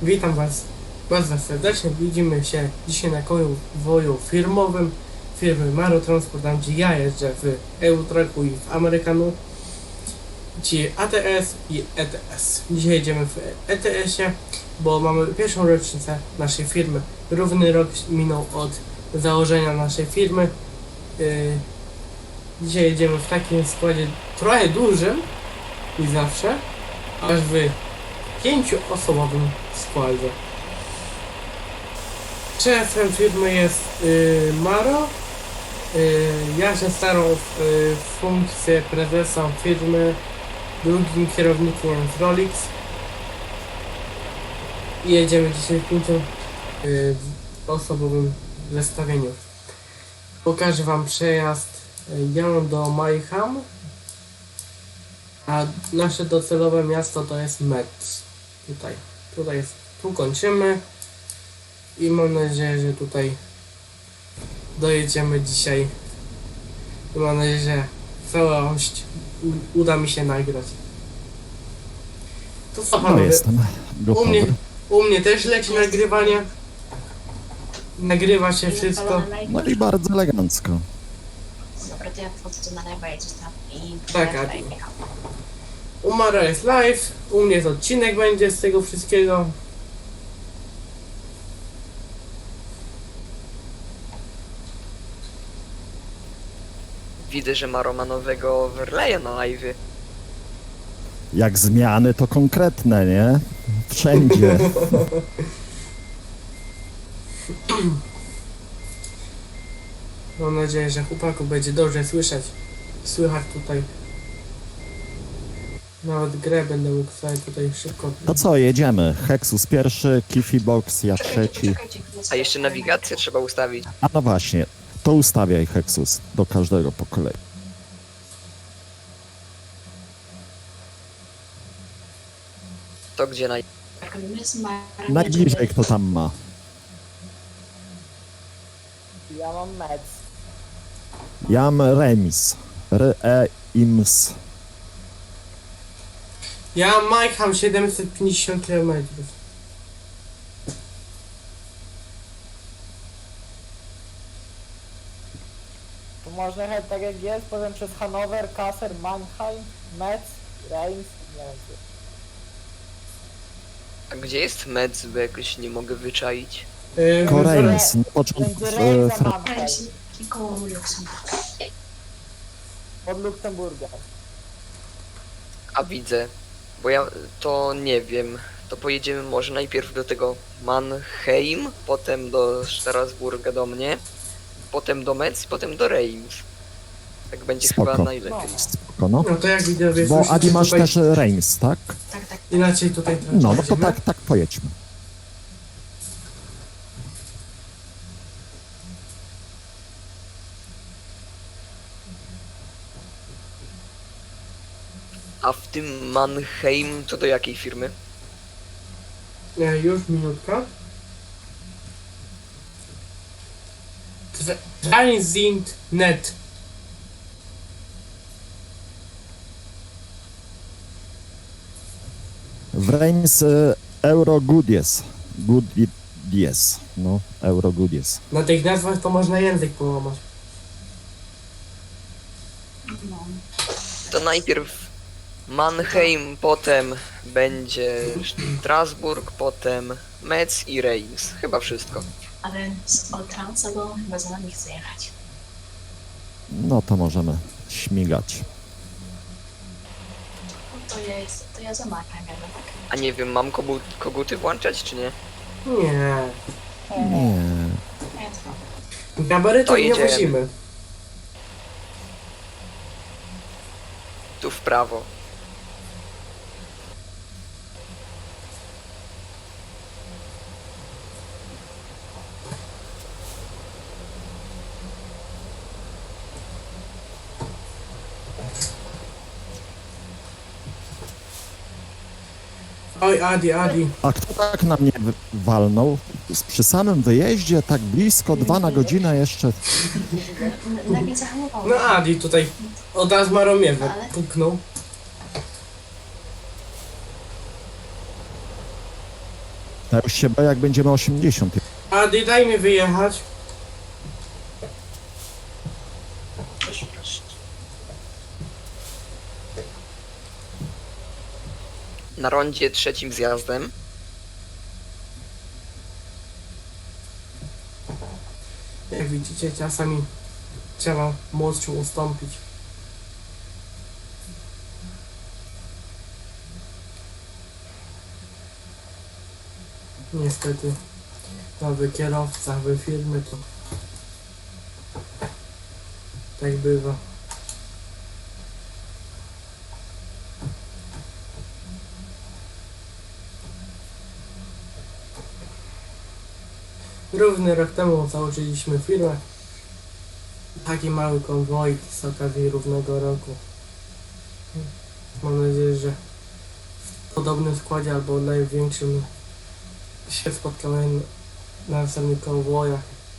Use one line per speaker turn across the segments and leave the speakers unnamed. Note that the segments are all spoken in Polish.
Witam Was bardzo serdecznie. Widzimy się dzisiaj na konwoju firmowym firmy Maro Transport, tam gdzie ja jeżdżę w EU-Trucku i w Amerykanu, gdzie ATS i ETS. Dzisiaj jedziemy w ETS-ie, bo mamy pierwszą rocznicę naszej firmy. Równy rok minął od założenia naszej firmy. Dzisiaj jedziemy w takim składzie trochę dużym i zawsze, aż w 5-osobowym składzie. Szefem firmy jest Maro. Ja się staram w funkcję prezesa firmy. Drugim kierownikiem jest Rolix. I jedziemy dzisiaj w 5-osobowym zestawieniu. Pokażę Wam przejazd. Jadę do Mayhem, a nasze docelowe miasto to jest Metz. Tu kończymy i mam nadzieję, że tutaj dojedziemy dzisiaj. I mam nadzieję, że całość uda mi się nagrać. To co
No
panowie?
jestem gotowy.
U mnie też leci nagrywanie. Nagrywa się wszystko.
No i bardzo elegancko.
Dobra, to ja wchodzę na lewo, jedziesz tam i...
Tak, Adi. U Mara jest live, u mnie jest odcinek będzie z tego wszystkiego.
Widzę, że ma romanowego overlaya na live.
Jak zmiany to konkretne, nie? Wszędzie.
Mam nadzieję, że chłopaku będzie dobrze słychać tutaj. Nawet grę będę mógł sobie tutaj szybko.
To co, jedziemy. Hexus pierwszy, Kiffy Box, ja trzeci.
A jeszcze nawigację trzeba ustawić.
A no właśnie, to ustawiaj Hexus do każdego po kolei.
To gdzie
Najbliżej kto tam ma.
Ja mam mec.
Ja mam remis. Reims.
Ja mam Mayhem 750 km.
To można jechać tak jak jest, potem przez Hanower, Kassel, Mannheim, Metz, Reims, nie wiem co.
A gdzie jest Metz, bo jakoś nie mogę wyczaić.
Koreins. Na początku
Między Reims a
Francji.
Mannheim,
Koło Luksemburga.
pod Luksemburgiem.
A widzę. Bo ja to nie wiem. To pojedziemy może najpierw do tego Mannheim, potem do Strasburga do mnie, potem do Metz, potem do Reims. Tak będzie
Spoko.
chyba najlepiej.
Spoko, no.
No to jak widzowie
Bo
słyszycie
Adi masz
tutaj,
też Reims, tak?
Tak, tak.
inaczej tutaj
No, no to
tracimy.
tak pojedźmy.
A w tym Mannheim to do jakiej firmy?
Już minutka. Transit.net.
W Reims Euro Goodies. Goodies. No, Euro Goodies.
Na tych nazwach to można język połamać.
No.
To najpierw Mannheim, potem będzie Strasburg, potem Metz i Reims. Chyba wszystko.
Ale z Oltrancego chyba za nami chce jechać.
No to możemy śmigać.
No to ja za Markiem jadę, tak?
A nie wiem, mam koguty włączać czy nie?
Nie.
Nie.
Ja to.
Gabarytów
To
nie
jedziemy.
musimy.
Tu w prawo.
Oj, Adi.
A kto tak na mnie walnął? Przy samym wyjeździe, tak blisko, 2 na godzinę jeszcze.
Nagle zahamowało.
No Adi tutaj od razu Maromiewę
Ale-
puknął.
Ja już się boję, jak będziemy 80.
Adi, daj mi wyjechać.
Proszę, proszę.
Na rondzie trzecim zjazdem.
Jak widzicie, czasami trzeba młodszym ustąpić. Niestety nowy kierowca w firmy to tak bywa. Równy rok temu założyliśmy firmę. Taki mały konwoj z okazji równego roku. Mam nadzieję, że w podobnym składzie albo największym się spotkamy na następnych konwojach.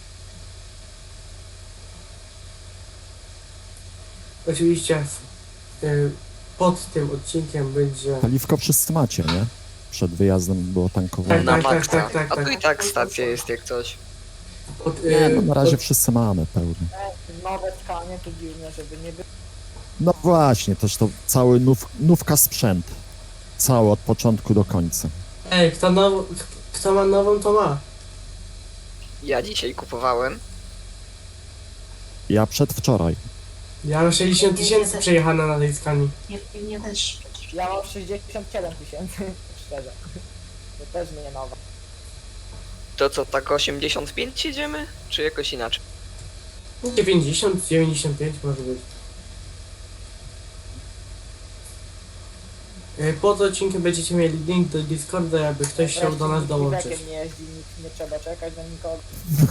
Oczywiście pod tym odcinkiem będzie...
Paliwko wszyscy macie, nie? Przed wyjazdem było tankowane.
Na
tak, tak,
maksa.
tak, tak,
A tu
tak.
i tak stacja jest jak coś.
Nie, no na razie wszyscy mamy pełny.
Nowe tkanie to dziwne, żeby nie było.
No właśnie, też to cały nówka sprzęt. Cały od początku do końca.
Ej, kto ma nową, to ma.
Ja dzisiaj kupowałem.
Ja przedwczoraj.
Ja mam 60 tysięcy przejechane na tej skali.
Nie też przecież.
Ja mam 67 tysięcy, szczerze. To też nie nowa.
To co, tak 85 jedziemy? Czy jakoś inaczej?
90, 95 może być. Pod odcinkiem będziecie mieli link do Discorda, jakby ktoś chciał do nas dołączyć.
Wreszcie nie jeździ, nikt nie trzeba czekać na nikogo.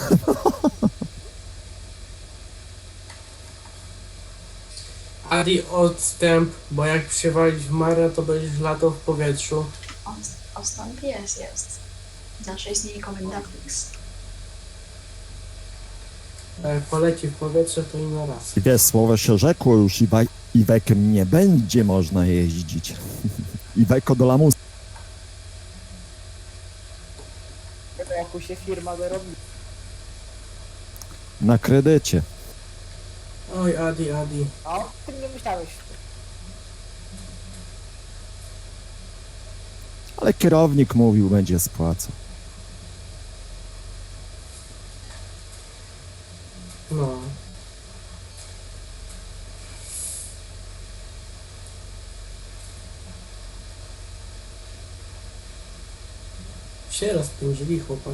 Adi, odstęp, bo jak przywalić w marę, to będziesz latał w powietrzu.
Odstąp jest. Zawsze istnieje komendantix.
A jak poleci w powietrze, to inny raz.
I wiesz, słowo się rzekło już Iwekiem nie będzie można jeździć. Iweko do lamusa.
Tego jak się firma wyrobi.
Na kredycie.
Oj, Adi.
A o tym nie myślałeś.
Ale kierownik mówił, będzie spłacał.
No. Się rozpędzili chłopaki.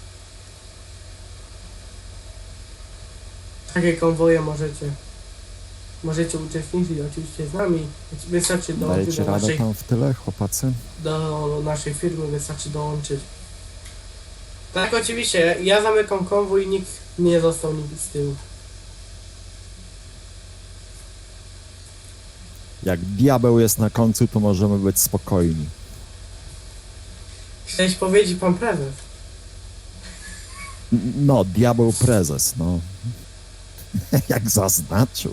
Takie konwoje możecie uczestniczyć oczywiście z nami. Wystarczy dołączyć
Dajecie
do
radę
naszej,
tam w tyle, chłopacy?
do naszej firmy, wystarczy dołączyć. Tak, oczywiście, ja zamykam konwój i nikt nie został nikt z tyłu.
Jak diabeł jest na końcu, to możemy być spokojni.
Chciałeś powiedzieć pan prezes.
No, diabeł prezes, no. Jak zaznaczył.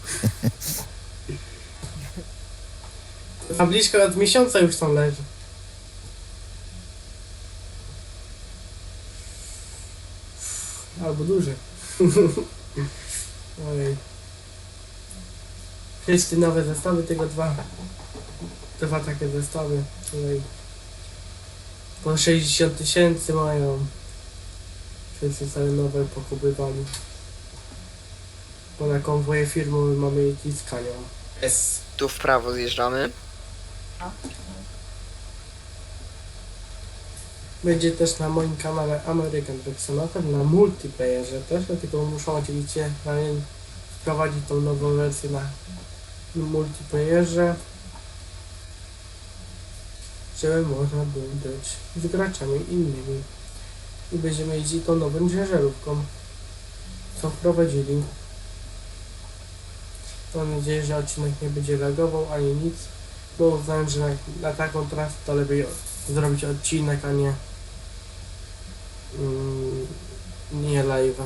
Tabliczka od miesiąca już tam leży. Albo duży. Ojej. Wszyscy nowe zestawy, tylko dwa takie zestawy. Tutaj po 60 tysięcy mają. Wszyscy całe nowe pokupywali. Bo na konwoje firmowe mamy jeździć z Kanią. S.
Tu w prawo zjeżdżamy.
No.
Będzie też na moim kanale American Truck Simulator, na multiplayerze też, tylko muszą oczywiście wprowadzić tą nową wersję na multiplayerze, żeby można było grać z graczami innymi. I będziemy jeździć tą nową ciężarówką, co wprowadzili. Mam nadzieję, że odcinek nie będzie lagował ani nic, bo uznałem, że na taką trasę to lepiej zrobić odcinek, a nie live'a.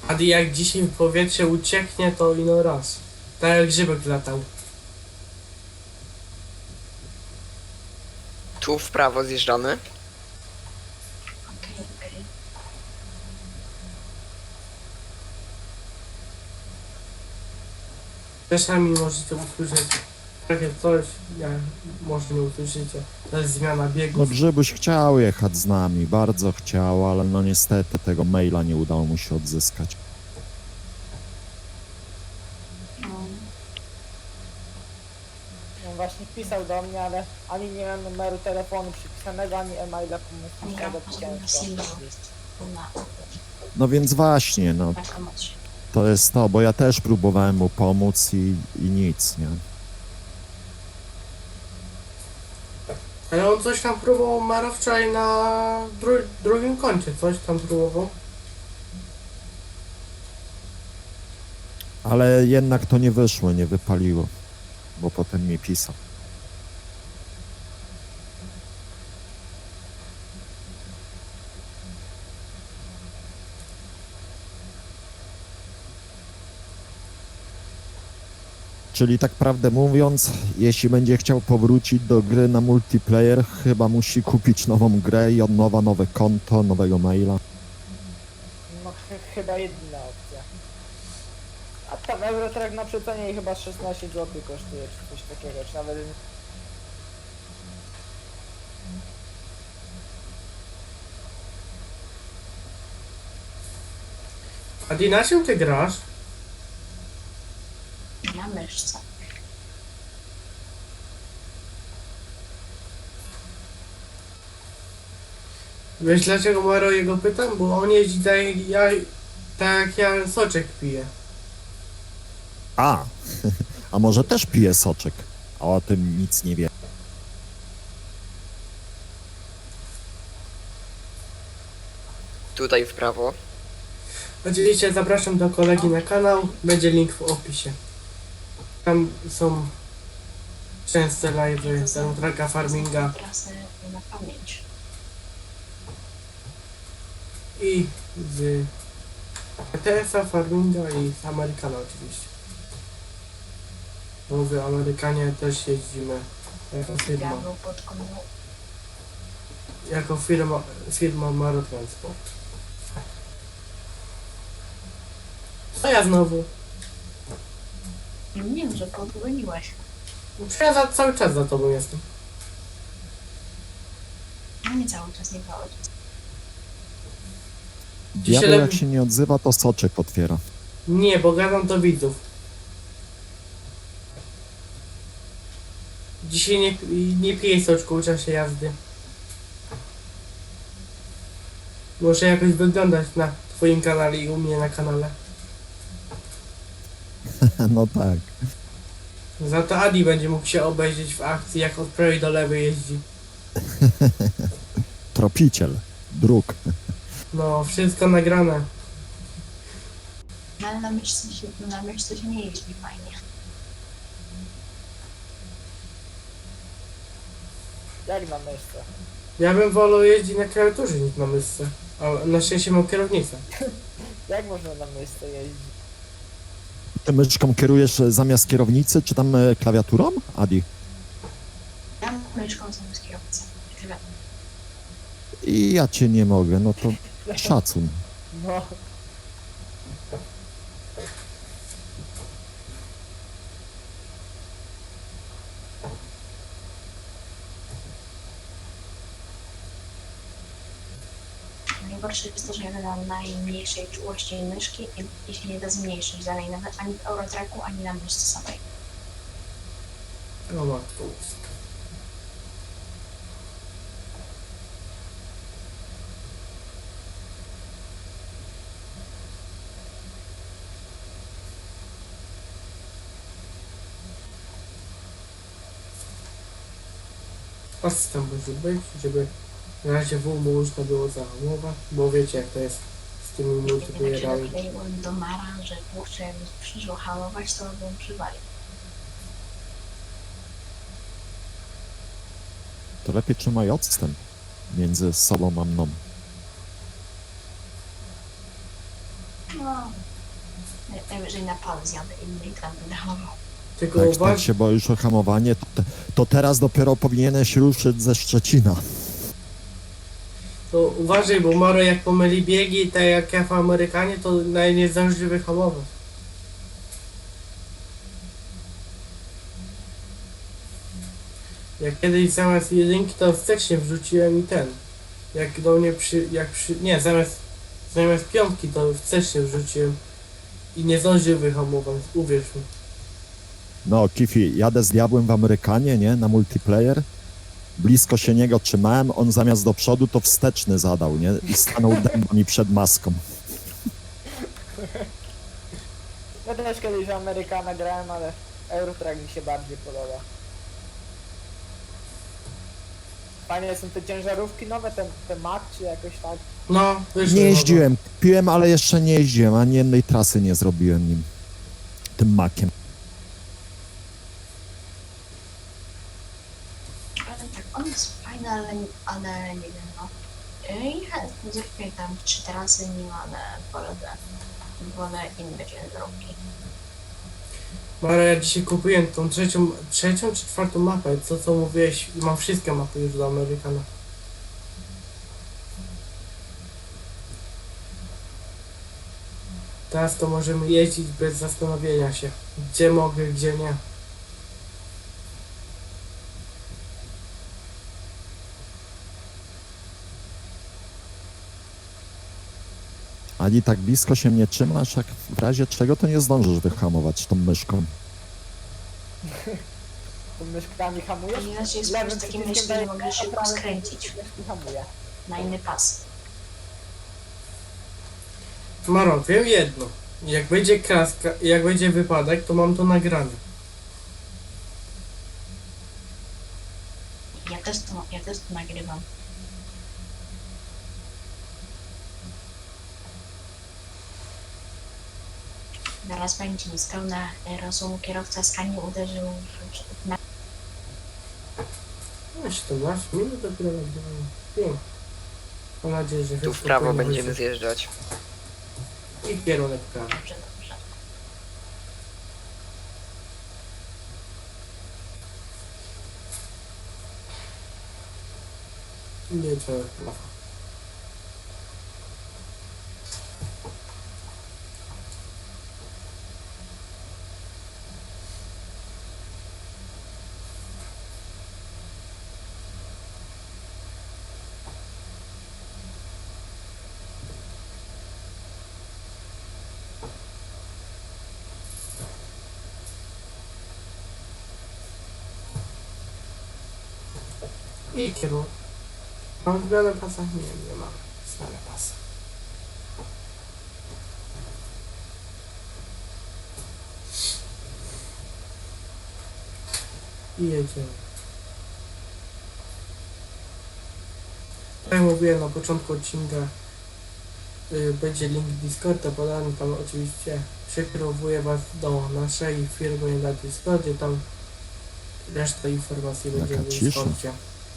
Adi jak dzisiaj w powietrze ucieknie, to ino raz. Tak jak grzybek latał.
Tu w prawo zjeżdżamy.
Okej, okej.
Czasami możecie usłyszeć takie coś, jak może nie usłyszycie. To jest zmiana
No
biegów.
Grzybuś chciał jechać z nami, bardzo chciał, ale no niestety tego maila nie udało mu się odzyskać.
No,
On właśnie pisał do mnie, ale ani nie miałem numeru telefonu przypisanego, ani e-maila pomysłowego
gra
ciężko.
na Silver. Na
No więc właśnie, no
pomocy.
to jest to, bo ja też próbowałem mu pomóc i nic, nie?
Ale on coś tam próbował Maro wczoraj na drugim koncie. Coś tam próbował.
Ale jednak to nie wyszło, nie wypaliło, bo potem mi pisał. Czyli tak prawdę mówiąc, jeśli będzie chciał powrócić do gry na multiplayer, chyba musi kupić nową grę i od nowa nowe konto, nowego maila.
No chyba jedyna opcja. A tam Eurotrack na przecenie i chyba 16 zł kosztuje, czy coś takiego, czy nawet...
Adi, na czym ty grasz?
Na myszce.
Wiesz dlaczego Maro jego pytam? Bo on jeździ tak jak ja soczek piję.
A, a może też pije soczek, a o tym nic nie wie.
Tutaj w prawo.
Oczywiście zapraszam do kolegi na kanał, będzie link w opisie. Tam są częste live'y z Traka Farminga
Trasę na pamięć.
i z ETS-a, Farminga i z Amerykana oczywiście. Bo w Amerykanie też jeździmy jako firma.
Diabeł pod komuną.
Jako firma Maro Transport. Co ja znowu?
Nie wiem, że podgoniłeś.
Ja cały czas za tobą jestem.
No nie cały czas, nie cały czas.
Diabeł
lepiej-
jak się nie odzywa, to soczek otwiera.
Nie, bo gadam do widzów. Dzisiaj nie piję soczku w czasie jazdy. Muszę jakoś wyglądać na twoim kanale i u mnie na kanale.
No tak.
Za to Adi będzie mógł się obejrzeć w akcji, jak od prawej do lewej jeździ.
Tropiciel, dróg.
No, wszystko nagrane.
No ale na myszce się nie jeździ fajnie.
Jak na myszce?
Ja bym wolał jeździć na klawiaturze niż na myszce. Ale na szczęście mam kierownicę.
Jak można na myszce jeździć?
Ty myszką kierujesz zamiast kierownicy, czy tam klawiaturą, Adi?
Ja myszką zamiast kierowcy. Tyle.
I ja cię nie mogę, no to szacun.
No,
Najgorsze jest to, że ja na najmniejszej czułości myszki i się nie da zmniejszyć dalej, nawet ani w Eurotracku, ani na myszce samej.
O matko. Asystent musi być, żeby na razie W można było zahamować, bo wiecie jak to jest z tymi
Jak się
multiplayerami.
dokleiłem do Mara, że kurczę, jakby przyszło hamować, to bym przywalił.
To lepiej trzymaj odstęp między sobą a mną.
No, Najwyżej na pan zjadę inny i tam będę hamował.
Tylko
Tak,
uważ,
tak się boisz o hamowanie, to teraz dopiero powinieneś ruszyć ze Szczecina.
to uważaj, bo Maro jak pomyli biegi, tak jak ja w Amerykanie, to nie zdąży wyhamować. Jak kiedyś zamiast jedynki, to wstecznie wrzuciłem i ten. Jak do mnie nie, zamiast piątki, to wstecznie wrzuciłem i nie zdążył wyhamować, uwierz mi.
No, Kifi, jadę z diabłem w Amerykanie, nie? Na multiplayer. Blisko się niego trzymałem, on zamiast do przodu to wsteczny zadał, nie? I stanął dęba mi przed maską.
Ja też kiedyś w Amerykana grałem, ale Eurotrack mi się bardziej podoba. Fajne są te ciężarówki nowe, te Mac czy jakoś tak.
No, wyszło.
Nie jeździłem, piłem, ale jeszcze nie jeździłem, ani jednej trasy nie zrobiłem nim. Tym makiem.
Ale tak, on jest fajny, ale nie wiem, no. I chętnie zrobię tam 3 trasy nim, ale wolę inne ciężarówki.
Mara, ja dzisiaj kupiłem tą trzecią czy czwartą mapę, co mówiłeś, i mam wszystkie mapy już do Amerykana. Teraz to możemy jeździć bez zastanowienia się, gdzie mogę, gdzie nie.
Ani tak blisko się mnie trzymasz, jak w razie czego to nie zdążysz wyhamować tą myszką.
To myszkami hamujesz?
Ponieważ jest
Lewym
po takim
przyciskiem
myśli, nie
daję
mogę
a
szybko
prawym
skręcić
przyciskiem hamuje.
na inny pas.
Maro, wiem jedno. Jak będzie kraska, jak będzie wypadek, to mam to nagrane.
Ja też to nagrywam. Zaraz będzie niespełna rozumu kierowca skanie uderzył na
17 minut dopiero nagrywam. Wiem. Mam nadzieję, że
Tu w
wszystko
prawo
powinno
będziemy
być.
zjeżdżać.
I kierunek prawy.
dobrze.
Nie trzeba prawa. I kierunek. Mam zmianę pasa? Nie mam zmianę pasa. I jedziemy. Tak jak mówiłem na początku odcinka, będzie link Discorda podany, tam oczywiście przekierowuję was do naszej firmy na Discordzie, tam reszta informacji będzie
Jaka
w
cisza.
Discordzie.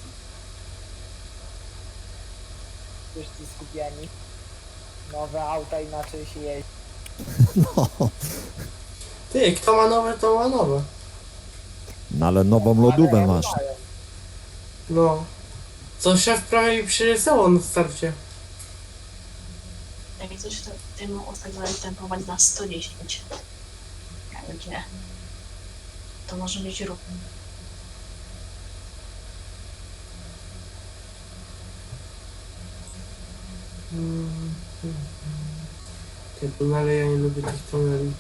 Wszyscy skupieni. Nowe auta inaczej się jeździ.
No,
Ty, kto ma nowe, to ma nowe.
no ale nową lodówkę
Ale
masz.
mają.
No. Co szef prawie mi przyrysował na starcie.
Jak coś, to tym ustawiłem tempować na 110 na godzinę. To może być ruch.
Te tunele, ja nie lubię tych tuneli.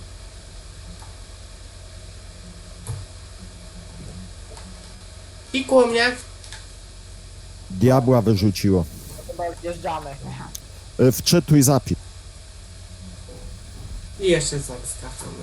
Pikło mnie.
Diabła wyrzuciło.
Chyba wjeżdżamy.
Wczytuj zapis.
I jeszcze zaskakamy.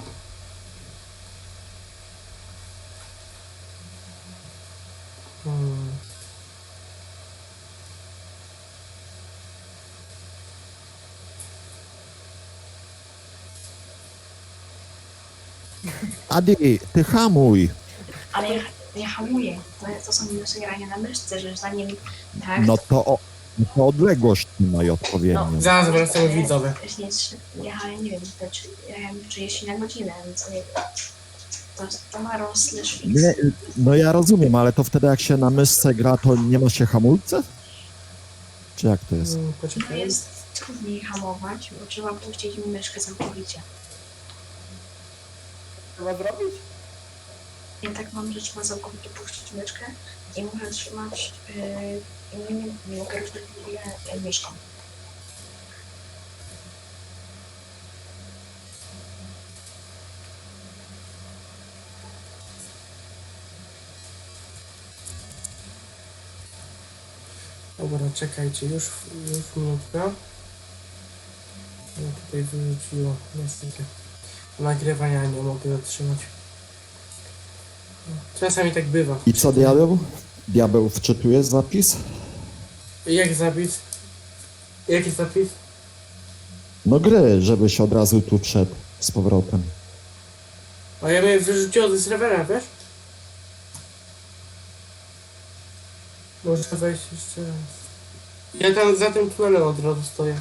Adi, ty hamuj.
Ale ja hamuję. To są minusy grania na myszce, że zanim tak,
No to No to odległość trzymaj odpowiednią.
Zaraz wracamy widzowie.
Wcześniej jechałem, nie wiem, jechałem 30 na godzinę, więc nie wiem. To ma slash fix.
Nie, no ja rozumiem, ale to wtedy jak się na myszce gra, to nie ma się hamulce? Czy jak to jest?
No
Poczekaj.
jest trudniej hamować, bo trzeba puścić myszkę całkowicie.
Trzeba zrobić?
Ja tak mam, że trzeba całkowicie puścić myszkę i muszę trzymać, nie mogę ruszać myszką.
Dobra, czekajcie, już minutka. No tutaj wyrzuciło, niestety. Nagrywania nie mogę zatrzymać. Czasami tak bywa.
I co diabeł? Diabeł wczytuje zapis?
Jak zapis? Jaki zapis?
No gry, żebyś od razu tu wszedł z powrotem.
A ja mnie wyrzuciło ze serwera, wiesz? Może wejść jeszcze raz. Ja tam za tym tunelem od razu stoję.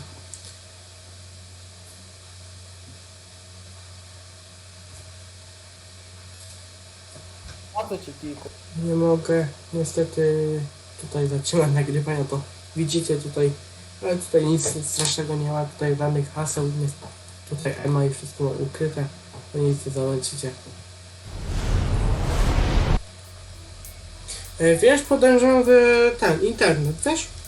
A to ci kilku.
Nie mogę niestety tutaj zatrzymać nagrywania, to widzicie tutaj, ale tutaj nic strasznego nie ma, tutaj żadnych haseł, nie, tutaj Ema i wszystko ma ukryte, to nic nie zobaczycie. Wiesz, podejrzewam, że ten internet, wiesz?